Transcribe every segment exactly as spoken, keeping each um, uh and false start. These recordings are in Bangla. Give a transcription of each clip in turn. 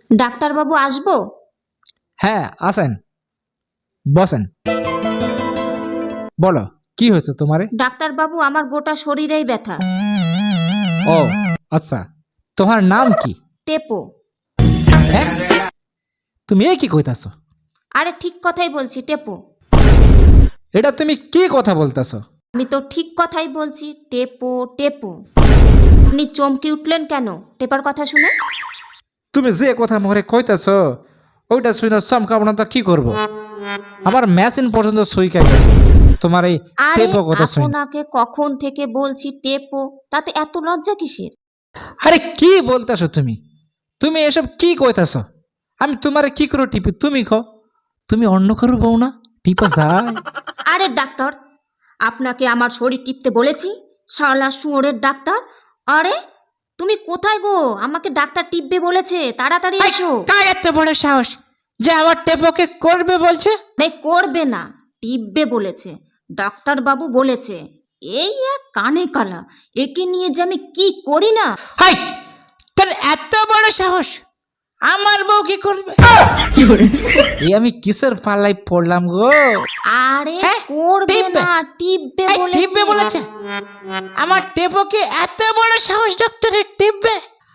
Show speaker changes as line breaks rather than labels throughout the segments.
ডাক্তারবাবু আসবো?
হ্যাঁ আসেন, বসেন। বলো কি হয়েছে তোমারে?
ডাক্তারবাবু আমার গোটা শরীরেই ব্যথা।
ও আচ্ছা, তোমার নাম কি?
টেপো।
হ্যাঁ, তুমি এ কি কইতাছো?
আরে ঠিক কথাই বলছি, টেপো।
এটা তুমি কি কথা বলতেছো?
আমি তো ঠিক কথাই বলছি, টেপো টেপো। আপনি চমকে উঠলেন কেন টেপার কথা শুনে?
তুমি যে কথা মরে কইতাছো ওইটা শুনে চমকাবো না তো কি করব? আমার মেশিন পর্যন্ত সুইকা গেছে তোমার এই
আরে
টেপো কথা শুনে।
আপনাকে কখন থেকে বলছি টেপো, তাতে এত লজ্জা কিসের?
আরে কি বলতেছো তুমি? তুমি এসব কি কইতাছো? আমি তোমারে কি করে টিপি তুমি কও? তুমি অন্য কারো বউ না, টিপা যায়?
আরে ডাক্তার, আপনাকে আমার শরীর টিপতে বলেছি, শালা শুয়োরের ডাক্তার। আরে তুমি কোথায় গো? আমাকে ডাক্তার টিপবে বলেছে, তাড়াতাড়ি এসো।
কার এত বড় সাহস যে আমার টেপোকে করবে বলছে?
আরে করবে না, টিপবে বলেছে, ডাক্তারবাবু বলেছে। এই এক কানে কালা, একে নিয়ে যে আমি কি করি না।
হাই, তোর এত বড় সাহস আমার বউ কি করবে? এই আমি কিসের পাল্লাই পড়লাম গো?
আরে
হ্যাঁ,
করবে
টিপবে।
না, টিপবে
এই টিপবে
বলেছে।
বলেছে? আমার টেপোকে এত বড় সাহস ডাক্তারে টিপবে?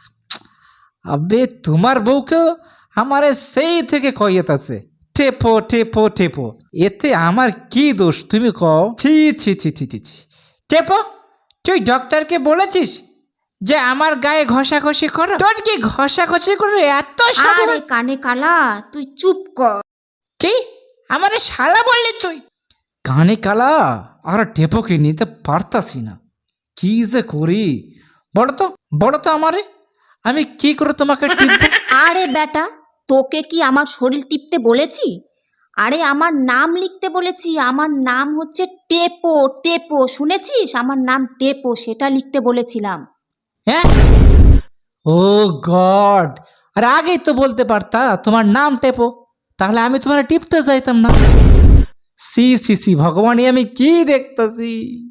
আবে তোমার বউকে আমারে সেই থেকে কইয়েতাছে টেপো টেপো টেপো। এতে আমার কি দোষ তুমি কও? ছি ছি ছি ছি ছি ছি। টেপো, তুই ডক্টরকে বলেছিস যে আমার গায়ে ঘষাঘষি করো? তোর কি ঘষাঘষি করে এত সাহস?
আরে কানে কালা, তুই চুপ কর।
কি আমারে শালা বললি তুই? কানে কালা আর টেপোকে নিতে পারতাছি না, কি যে করি বলো তো, বলো তো আমারে, আমি কি করে তোমাকে টিপবো?
আরে বেটা, তোকে কি আমার শরীর টিপতে বলেছি? আরে আমার নাম লিখতে বলেছি, আমার নাম হচ্ছে টেপো টেপো, শুনেছিস? আমার নাম টেপো, সেটা লিখতে বলেছিলাম।
হ্যাঁ, ও গড, আর আগেই তো বলতে পারতা তোমার নাম টেপো, তাহলে আমি তোমার টিপতে যাইতাম না। সি সি সি ভগবান, এ আমি কি দেখতেছি?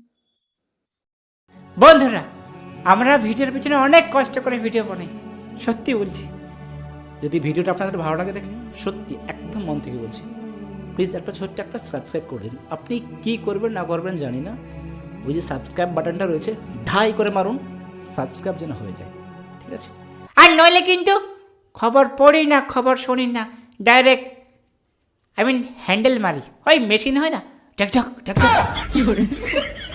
বন্ধুরা, আমরা ভিডিওর পিছনে অনেক কষ্ট করে ভিডিও বানাই, সত্যি বলছি। যদি ভিডিওটা আপনাদের ভালো লাগে দেখে, সত্যি একদম মন থেকে বলছি, প্লিজ একটা ছোট্ট একটা সাবস্ক্রাইব করে দিন। আপনি কি করবেন না করবেন জানি না, ওই যে সাবস্ক্রাইব বাটনটা রয়েছে ঢাই করে মারুন, সাবস্ক্রাইব যেন হয়ে যায়, ঠিক আছে? আর নইলে কিন্তু খবর পড়ি না, খবর শুনি না, ডাইরেক্ট আই মিন হ্যান্ডেল মারি, ওই মেশিন হয় না, ঠক ঠক ঠক ঠক।